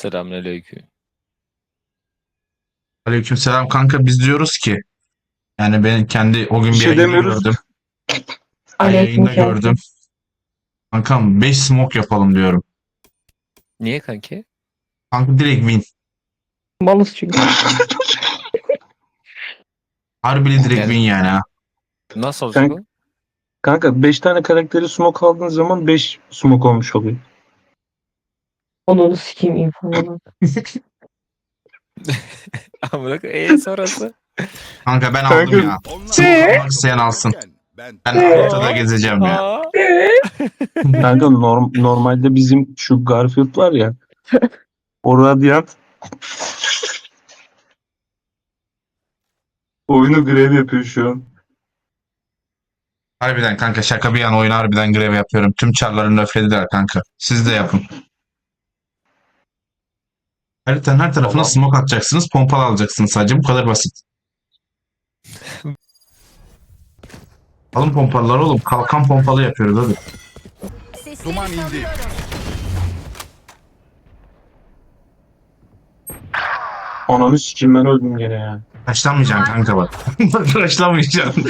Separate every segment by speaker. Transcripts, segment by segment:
Speaker 1: Selamünaleyküm.
Speaker 2: Aleykümselam kanka, biz diyoruz ki yani ben kendi o gün
Speaker 3: Bir
Speaker 2: bir
Speaker 3: şey
Speaker 2: yayında
Speaker 3: demiyoruz.
Speaker 2: gördüm. Yayında
Speaker 4: Aleykümselam.
Speaker 2: gördüm. Kankam 5 smoke yapalım diyorum.
Speaker 1: Niye kanki?
Speaker 2: Kanka direkt win.
Speaker 4: Malız çünkü.
Speaker 2: Harbili direkt
Speaker 1: Yani-
Speaker 2: win yani ha.
Speaker 1: Nasıl olacak o?
Speaker 3: Kanka 5 tane karakteri smoke aldığın zaman 5 smoke olmuş oluyor.
Speaker 4: Onu sikeyim infoları.
Speaker 1: Amına sonrası.
Speaker 2: Kanka ben
Speaker 3: Kanka-
Speaker 2: aldım ya. Smoke almak isteyen alsın. Ben haritada gezeceğim ya.
Speaker 1: Aa,
Speaker 3: Kanka normalde bizim şu Garfield var ya. O Radiant oyunu grev yapıyor şu an.
Speaker 2: Harbiden kanka, şaka bir yana oyun harbiden grev yapıyorum. Tüm çarlarını öflediler kanka. Siz de yapın. Haritanın her tarafına
Speaker 3: Tamam.
Speaker 2: smoke atacaksınız. Pompalı alacaksınız sadece. Bu kadar basit. Alın pompalılar oğlum. Kalkan pompalı yapıyoruz hadi.
Speaker 5: Duman indi.
Speaker 3: Ananı sikeyim, ben öldüm gene ya.
Speaker 2: Taşlamayacaksın kanka bak. Taşlamayacaksın.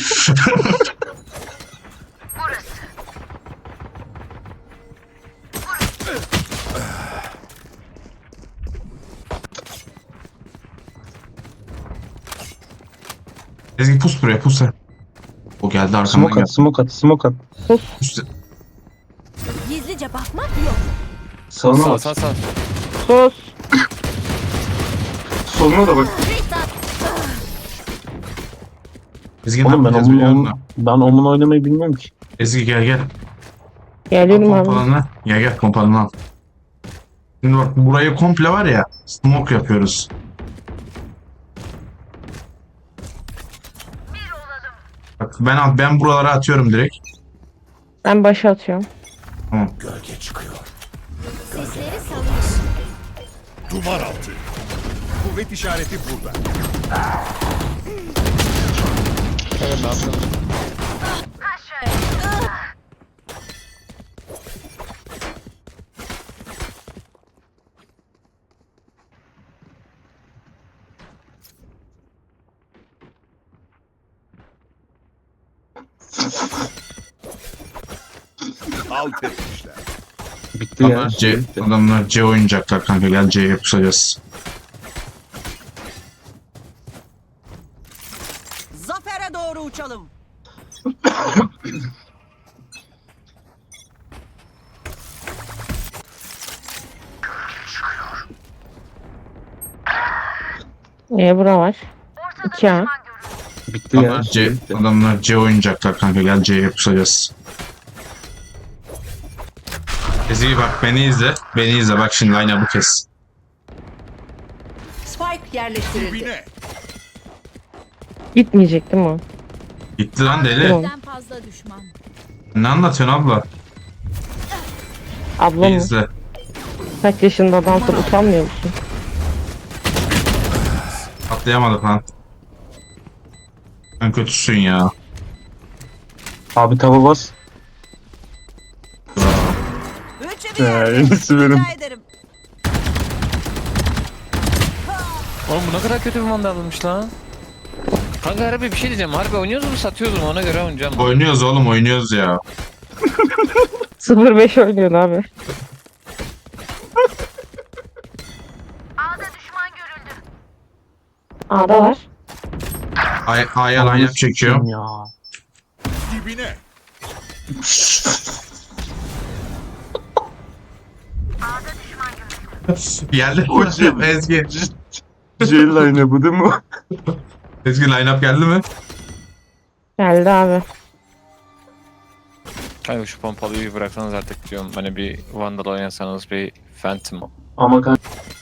Speaker 2: Ezgi pus buraya, pus sen. O geldi arkamdan
Speaker 3: Smoke
Speaker 2: geldi.
Speaker 3: at, smoke at, smoke at.
Speaker 2: Pus.
Speaker 5: Gizlice bakmak yok.
Speaker 3: Sağına
Speaker 1: sağ
Speaker 3: bak.
Speaker 1: sağ sağ.
Speaker 4: Sus.
Speaker 3: Soluna da bak.
Speaker 2: Ezgi ne
Speaker 3: Oğlum ben
Speaker 2: yapacağız biliyor musun?
Speaker 3: Omun oynamayı bilmiyorum ki.
Speaker 2: Ezgi gel gel. Al
Speaker 4: Geliyorum abi.
Speaker 2: pompalını. Gel gel pompalını al. Şimdi bak burayı komple var ya. Smoke yapıyoruz. Bak ben buralara atıyorum direkt.
Speaker 4: Ben başa atıyorum.
Speaker 5: Gölge çıkıyor. Sesleri salış. Duman altı. Kuvvet işareti burada.
Speaker 1: Evet ne yapıyorsun?
Speaker 5: Alt etmişler.
Speaker 3: Bitti ya.
Speaker 2: Adamlar C oynayacaklar kanka, gel C'ye pusacağız.
Speaker 6: Zafere doğru uçalım.
Speaker 4: Bura var. 2A.
Speaker 3: Bitti ya.
Speaker 2: Adamlar C oynayacaklar kanka, gel C'ye pusacağız. Ezgi bak beni izle. Beni izle bak şimdi, aynen bu kez.
Speaker 6: Spike yerleştirildi.
Speaker 5: Dibine.
Speaker 4: Gitmeyecek değil mi o?
Speaker 2: Gitti lan deli.
Speaker 4: Tamam.
Speaker 5: Birden fazla düşman.
Speaker 2: Ne anlatıyorsun abla?
Speaker 4: Abla
Speaker 2: Beni
Speaker 4: mı?
Speaker 2: izle.
Speaker 4: Kaç yaşında adamsın, utanmıyor musun?
Speaker 2: Atlayamadık lan. Sen kötüsün ya.
Speaker 3: Abi tava bas.
Speaker 6: Üçü bir
Speaker 3: He,
Speaker 6: yerde.
Speaker 3: yenisi benim.
Speaker 6: Rica ederim.
Speaker 1: Oğlum bu ne kadar kötü bir mandalmış lan. Kanka harbi bir şey diyeceğim. Harbi oynuyoruz mu satıyoruz mu ona göre oynayacağım.
Speaker 2: Oynuyoruz oğlum, oynuyoruz ya.
Speaker 4: 0-5 oynuyorsun abi. A'da var.
Speaker 2: A'ya line up çekiyorum.
Speaker 3: Ya.
Speaker 5: Dibine.
Speaker 2: Geldi
Speaker 3: O
Speaker 2: mi?
Speaker 3: şey-
Speaker 2: Ezgi.
Speaker 3: J-line bu değil mi?
Speaker 2: Ezgi line up geldi mi?
Speaker 4: Geldi abi.
Speaker 1: Kanka şu pompalıyı bir bıraksanız artık diyorum. Hani bir Vandal oynasanız, bir Phantom.
Speaker 3: Ama kanka.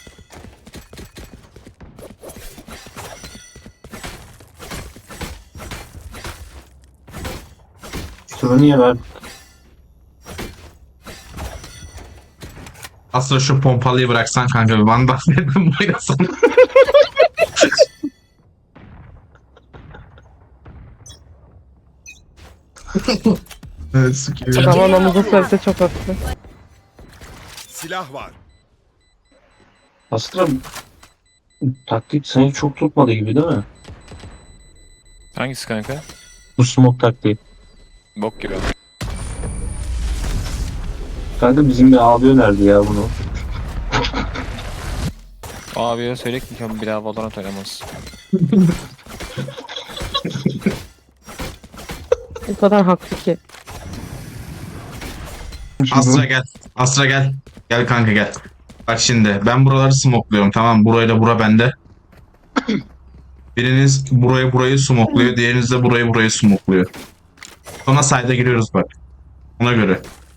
Speaker 3: Şunu niye ver?
Speaker 2: Aslında şu pompalıyı bıraksan kanka, bir Vandal dedim oynasan. Evet, sıkıyor.
Speaker 4: Zaman omuza söylese çok haklı.
Speaker 5: Silah var.
Speaker 3: Aslında taktik seni çok tutmadı gibi değil mi?
Speaker 1: Hangisi kanka?
Speaker 3: Bu smoke taktiği.
Speaker 1: Bok gibi.
Speaker 3: Kanka bizim bir abi önerdi ya bunu.
Speaker 1: Abiye söyle ki bir daha Valorant oynamaz.
Speaker 4: O kadar haklı ki.
Speaker 2: Astra gel. Astra gel. Gel kanka gel. Bak şimdi ben buraları smokluyorum, tamam, burayla bura bende. Biriniz burayı smokluyor, diğeriniz de burayı smokluyor. Sonra side'a giriyoruz bak. Ona göre.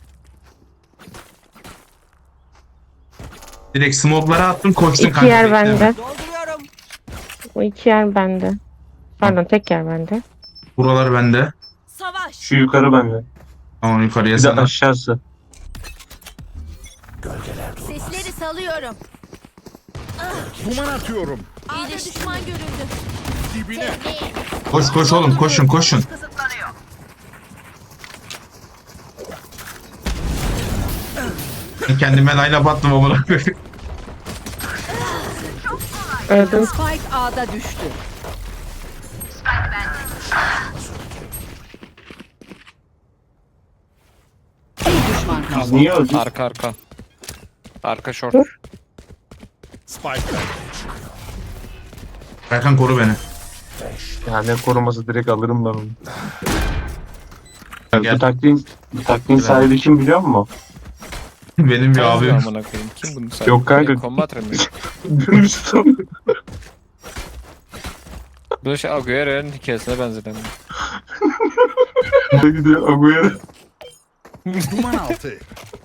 Speaker 2: Direkt smoke'lara attım, koştun
Speaker 4: İki
Speaker 2: kanka.
Speaker 4: yer
Speaker 2: bekleme.
Speaker 4: bende.
Speaker 6: Dolduruyorum.
Speaker 4: O iki yer bende. Pardon tek yer bende.
Speaker 2: Buralar bende.
Speaker 6: Savaş.
Speaker 3: Şu yukarı bende.
Speaker 2: Tamam, yukarıya
Speaker 3: Bir de
Speaker 2: sana.
Speaker 3: aşağısı.
Speaker 7: Sesleri salıyorum.
Speaker 5: Duman atıyorum.
Speaker 7: A'da düşman görüldü.
Speaker 5: Dibine.
Speaker 2: Koş oğlum, koşun. Kendime line up attım amına koyayım.
Speaker 4: Öldüm.
Speaker 6: Spike A'da düştü. Bir düşman kaldı.
Speaker 3: Niye öldün?
Speaker 1: Arka. Arka short.
Speaker 4: Dur.
Speaker 5: Spike
Speaker 2: Erkan koru beni.
Speaker 3: Ya ne koruması, direkt alırım ben onu.
Speaker 2: Gel.
Speaker 3: Bu taktiğin sahibi kim biliyor musun?
Speaker 2: Benim bir
Speaker 1: Abi
Speaker 2: abim.
Speaker 1: amına koyayım. Kim bunu saydı?
Speaker 3: Yok kanka.
Speaker 1: Combat mi?
Speaker 3: Dürüstüm.
Speaker 1: Bu şey Agüero'nun hikayesine benzedi.
Speaker 3: Ne gidiyor Agüero?
Speaker 5: duman altı.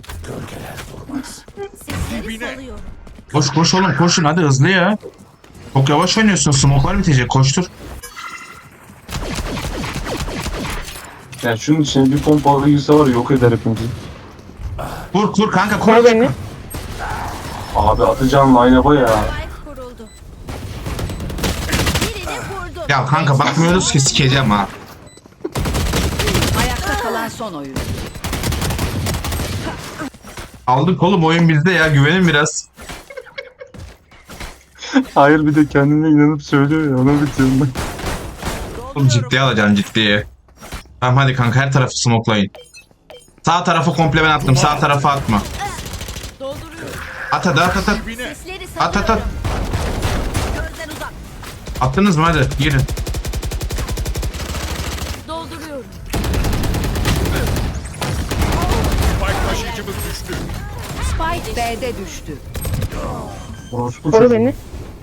Speaker 7: Sesleri
Speaker 5: Dibine.
Speaker 7: salıyorum.
Speaker 2: Koş oğlum, koşun hadi, hızlı ya. Çok yavaş oynuyorsun, smoke'lar bitecek, koştur.
Speaker 3: Ya şunun içine bir pompalı girse var ya, yok eder hepimizi.
Speaker 2: Kur kanka,
Speaker 4: Koy
Speaker 2: kur.
Speaker 4: beni.
Speaker 3: Abi atacağım line-up'a ya.
Speaker 7: Spike kuruldu. Birini vurdum.
Speaker 2: Ya kanka bakmıyoruz ki, sikeceğim ha.
Speaker 6: Ayakta kalan son oyuncu.
Speaker 2: Aldık oğlum, oyun bizde ya, güvenin biraz.
Speaker 3: Hayır, bir de kendine inanıp söylüyor ya, ona bitiyorum ben.
Speaker 2: Oğlum ciddiye alacaksın, ciddiye. Tamam hadi kanka, her tarafı smokelayın. Sağ tarafı komple ben attım, sağ tarafa atma.
Speaker 6: Dolduruyorum.
Speaker 2: At.
Speaker 5: Dibine.
Speaker 7: Sesleri
Speaker 2: At.
Speaker 7: salıyorum.
Speaker 6: Gözden uzak.
Speaker 2: Attınız mı, hadi girin.
Speaker 7: Dolduruyorum.
Speaker 5: Spike taşıyıcımız düştü.
Speaker 6: Spike B'de düştü.
Speaker 3: Orospu
Speaker 4: Koru
Speaker 3: çocuğu.
Speaker 4: beni.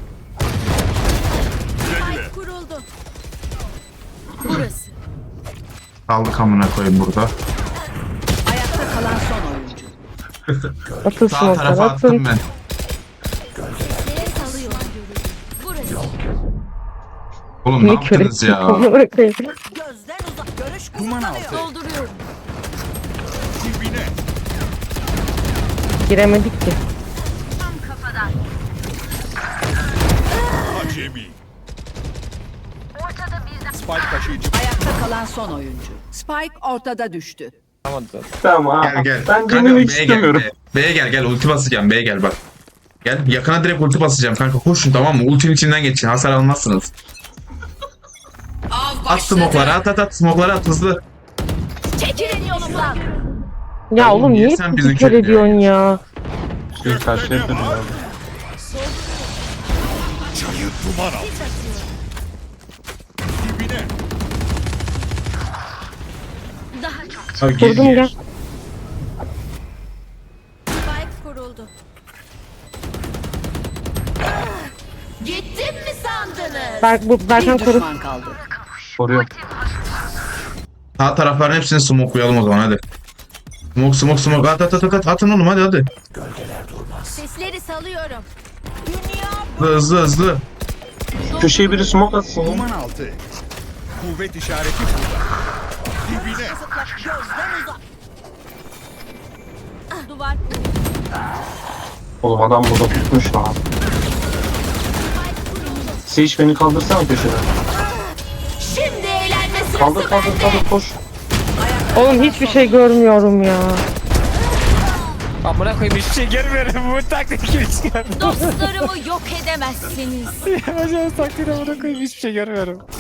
Speaker 5: Güle güle.
Speaker 7: Spike kuruldu. Burası.
Speaker 2: Kaldık amına koyayım burada.
Speaker 6: Ayakta kalan son oyuncu.
Speaker 4: Atın
Speaker 2: Sağ
Speaker 4: smoke'lar
Speaker 2: tarafa attım
Speaker 4: atın.
Speaker 2: ben.
Speaker 7: Sesleri salıyorum. Burası.
Speaker 2: Oğlum ne
Speaker 4: Ne kör
Speaker 2: yaptınız
Speaker 4: ettim.
Speaker 2: ya?
Speaker 4: Amına koyayım.
Speaker 6: Gözden uzak. Görüş
Speaker 5: Duman
Speaker 6: kısıtlanıyor.
Speaker 5: altı.
Speaker 7: Dolduruyorum.
Speaker 5: Dibine.
Speaker 4: Giremedik ki.
Speaker 5: Acemi. Spike taşıyıcı.
Speaker 6: Ayakta kalan son oyuncu. Spike ortada düştü.
Speaker 1: Tamam da.
Speaker 3: Tamam
Speaker 2: Gel
Speaker 3: abi.
Speaker 2: gel.
Speaker 3: Ben
Speaker 2: Kanka,
Speaker 3: dinlemek
Speaker 2: B'ye
Speaker 3: istemiyorum.
Speaker 2: Gel, B'ye gel, ulti basacağım, B'ye gel bak. Gel, yakına direkt ulti basacağım kanka, koşun tamam mı? Ultinin içinden geçin, hasar almazsınız. At smoke'ları, at smoke'ları at hızlı.
Speaker 7: Çekilin yolumdan.
Speaker 4: Ya
Speaker 2: Oğlum,
Speaker 4: oğlum
Speaker 2: niye
Speaker 4: niye
Speaker 2: sen
Speaker 4: bizi
Speaker 2: bizi
Speaker 4: kör
Speaker 2: kör
Speaker 4: ediyorsun ya?
Speaker 3: Bir karşıya yapıyorum abi.
Speaker 5: Çayı duman altı. Dibine.
Speaker 7: Daha çok.
Speaker 2: Abi, gir,
Speaker 4: Kurdum
Speaker 2: gir.
Speaker 4: gel.
Speaker 7: Spike kuruldu. Gittim mi sandınız?
Speaker 4: Berkan
Speaker 6: Bir
Speaker 4: koru.
Speaker 6: düşman kaldı.
Speaker 3: Koruyorum.
Speaker 2: Sağ tarafların hepsini smoke'layalım o zaman, hadi. Smoke at atın oğlum, hadi.
Speaker 7: Sesleri salıyorum.
Speaker 2: Hızlı.
Speaker 3: Köşeye biri smoke atsın ya.
Speaker 5: Duman altı. Kuvvet işareti burada. Dibine.
Speaker 6: Gözden uzak.
Speaker 7: Duvar.
Speaker 3: Oğlum adam burada tutmuş lan. Sage beni kaldırsana köşeden.
Speaker 7: Şimdi eğlenme sırası
Speaker 3: Kaldır
Speaker 7: bende.
Speaker 3: koş.
Speaker 4: Oğlum hiçbir şey görmüyorum ya.
Speaker 1: Amına koyayım hiçbir şey görmüyorum. Bu taktik hiç görmüyorum.
Speaker 7: Dostlarımı yok edemezsiniz.
Speaker 1: Acaba taktik amına koyayım hiçbir şey görmüyorum.